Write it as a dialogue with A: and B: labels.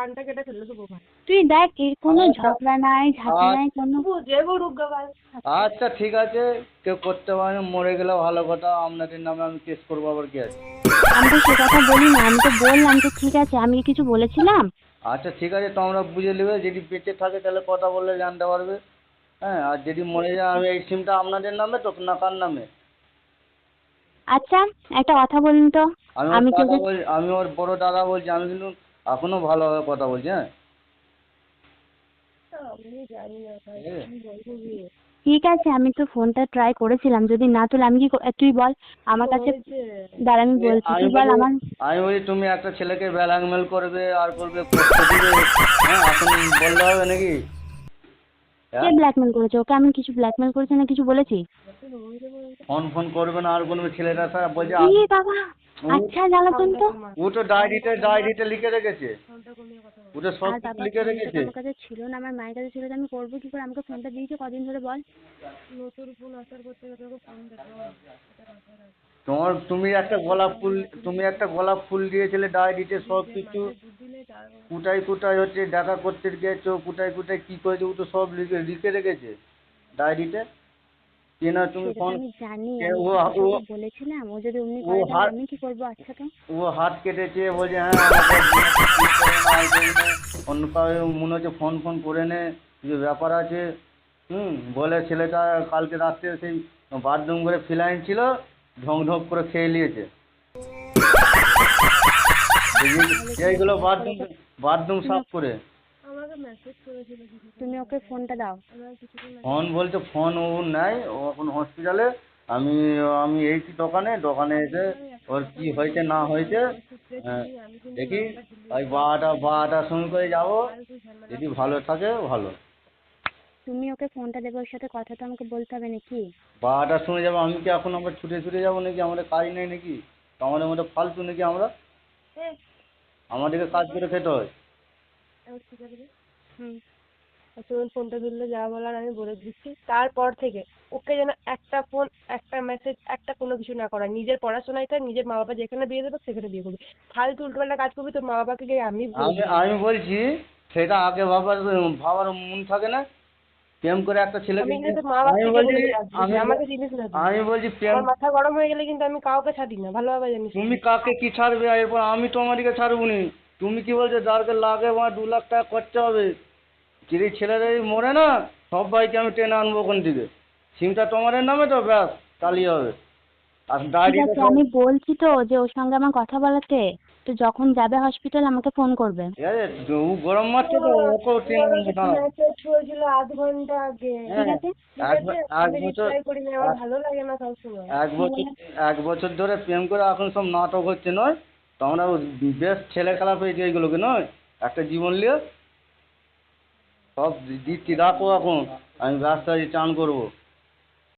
A: কানটা কেটে ফেললো শুভ ভাই।
B: তুই দেখ এর কোনো ঝগড়া নাই ঝাঁটি নাই কোনো।
A: যে গরুক গাবাল।
C: আচ্ছা ঠিক আছে, কেউ করতে পারে না, মরে গেলে ভালো কথা, আপনাদের নামে আমি কেস করবো আবার কি আছে।
B: আমি তো সে কথা বলি না, আমি তো বললাম যে ঠিক আছে, আমি কি কিছু বলেছিলাম?
C: আচ্ছা ঠিক আছে, তোমরা বুঝে নেবে, যদি বেঁচে থাকে তাহলে কথা বললে জানতে পারবে। হ্যাঁ, আর যদি মরে যায়, আমি এই সিমটা আপনাদের নামে তো না কার নামে?
B: আচ্ছা একটা কথা বলুন তো,
C: আমি ওর
B: আমি
C: দাদা
B: তোকে
C: বলছি, আমি ওর বড় দাদা বলছি, আমি কিন্তু এখনো ভালোভাবে কথা বলছি। হ্যাঁ
A: আমি জানি না ভাই
C: ঠিক আছে?
A: কি বলবো বিয়ে।
B: ঠিক আছে, আমি তো ফোনটা ট্রাই করেছিলাম, যদি না তুলে আমি কি তুই বল আমার কাছে।
A: হয়েছে।
B: দাঁড়া আমি বলছি,
C: আমি
B: তুই বল
C: বলি
B: আমার।
C: আমি বলি তুমি একটা ছেলেকে ব্ল্যাকমেল করবে আর করবে, করতে দিবে। হ্যাঁ, এখন বললে হবে নাকি?
B: কে
C: হ্যাঁ,
B: ব্ল্যাকমেল করেছে ওকে? আমি কিছু ব্ল্যাকমেল করেছি না কিছু বলেছি?
C: ফোন ফোন করবে না আর করবে, ছেলেটা স্যার বলছে
B: ই বাবা, আচ্ছা জ্বালাতন তো।
C: ও তো ডায়েরিতে লিখে রেখেছে, ও তো সব
B: আর
C: কিছু
B: বাবা
C: লিখে
B: ফোনটা তো
C: রেখেছে।
B: আমার কাছে ছিল না, আমার মায়ের কাছে ছিল, তো আমি করবো কি করে? আমাকে ফোনটা দিয়েছে কদিন ধরে বল।
A: নতুন ফোন আসার করতে গেলে তোকে ফোন দেখো।
C: তুমি একটা গোলাপ ফুল দিয়েছিলে ডায়েরিতে, সব কিছু
A: বুদ্ধি নেই তার।
C: কোথায় কোথায় হচ্ছে দেখা করতে গিয়েছো, কোথায় কোথায় কি করেছো, ও তো সব লিখে লিখে রেখেছে ডায়েরিতে। কে না তুমি
B: সেটা তো
C: ফোন,
B: আমি জানি,
C: কে
B: আমি
C: ও
B: কি কিছু
C: ও
B: ওকে বলেছিলাম? ও যদি অমনি
C: ও
B: করে তাহলে
C: হাত
B: আমি কি করবো? আচ্ছা তো।
C: ও হাত কেটেছে, বলছে হ্যাঁ আমাকে বিয়ে করে না, এই করে নে, অন্য কাউকে মনে হচ্ছে ফোন ফোন করে নে, কিছু ব্যাপার আছে। বলে ছেলেটা কালকে রাত্রে সেই বাথরুম করে ফিনাইল ছিল, ঢং ঢং করে খেয়ে নিয়েছে। এইগুলো বাথরুম বাথরুম
B: তুমি
C: সাফ করে।
A: আমাকে মেসেজ করেছিল কিছু।
B: তুমি ওকে ফোনটা দাও।
A: আমার কিছুক্ষণ
C: ফোন বলতে ফোন ও নেয়, ও এখন হসপিটালে। আমি আমি এই দোকানে দোকানে এসে ওর কি হয়েছে না হয়েছে,
A: আমি কিন্তু
C: দেখি
A: নাম্বার ডিলিট
C: ওই বারোটার সময় করে যাবো,
A: ফালতু ঝামেলা
C: যদি ভালো থাকে ভালো।
B: তুমি ওকে ফোনটা দেবে, ওর সাথে কথা তো আমাকে বলতে হবে নাকি?
C: 12টার সময় যাবো, আমি কি এখন আবার ছুটে ছুটে যাবো নাকি? আমাদের কাজ নেই নাকি? আমাদের মধ্যে ফালতু নাকি আমরা?
A: এ
C: আমাদেরকে কাজ করে খেতে হয়।
A: ঠিক আছে।
B: হুম।
A: তুমি ফোনটা ধরলে যা বলার আমি বলে দিচ্ছি, তারপর থেকে ওকে যেন একটা ফোন একটা মেসেজ একটা কোনো কিছু না করা, নিজের পড়াশোনায় তার নিজের মা বাবা যেখানে বিয়ে দেবে সেখানে বিয়ে করবি। ফালতু উল্টোপাল্টা কাজ করবি তোর মা বাবাকে গিয়ে আমি বলে
C: আমি
A: দিলাম।
C: আমি বলছি, সেটা আগে ভাবার ভাবার মন থাকে না? প্রেম করে একটা ছেলেকে
A: আমি কিন্তু তোর মা
C: আমি
A: বাবাকে গিয়ে
C: বলছি
A: বলে দিলাম
C: আমি
A: আমাকে জিনিস না দিস।
C: আমি বলছি প্রেম,
A: আমার মাথা গরম হয়ে গেলে কিন্তু আমি কাউকে ছাড়ি না, ভালোভাবে জানিস তুই।
C: তুমি কাকে কি ছাড়বে, আর এরপর আমি তোমাদেরকে ছাড়বো নি। তুমি কি বলছো যারকে লাগে আমার 2 লাখ টাকা খরচা হবে, যদি ছেলেরা যদি মরে না, সবাইকে আমি টেনে আনবো ওখান থেকে। সিমটা তোমাদের নামে তো ব্যাস, তাহলেই হবে। আর
B: ঠিক
C: ডায়েরিতে
B: আছে,
C: সব
B: আমি বলছি তো যে ওর সঙ্গে আমার কথা বলাতে, তো যখন যাবে হসপিটাল আমাকে ফোন করবে।
C: ঠিক আছে, ও গরম মারছে তো, ওকেও টেনে আনবো না।
A: মেসেজ হয়েছিল 8 ঘন্টা আগে।
B: ঠিক
C: হ্যাঁ,
B: আছে।
A: ঠিক
C: এক
A: আছে,
C: এক
A: আমি
C: বছর
A: রিপ্লাই করি না, আমার
C: এক
A: ভালো লাগে না সবসময়।
C: এক
B: কি
C: বছর
B: বলে?
C: 1 বছর ধরে প্রেম করে এখন সব নাটক হচ্ছে নয়? তোমরা বেশ ছেলে খেলা পেয়েছে এইগুলোকে নয়, একটা জীবন নিয়ে। সব দিচ্ছি, রাখো এখন, আমি ব্যস্ত আছি, চান করবো।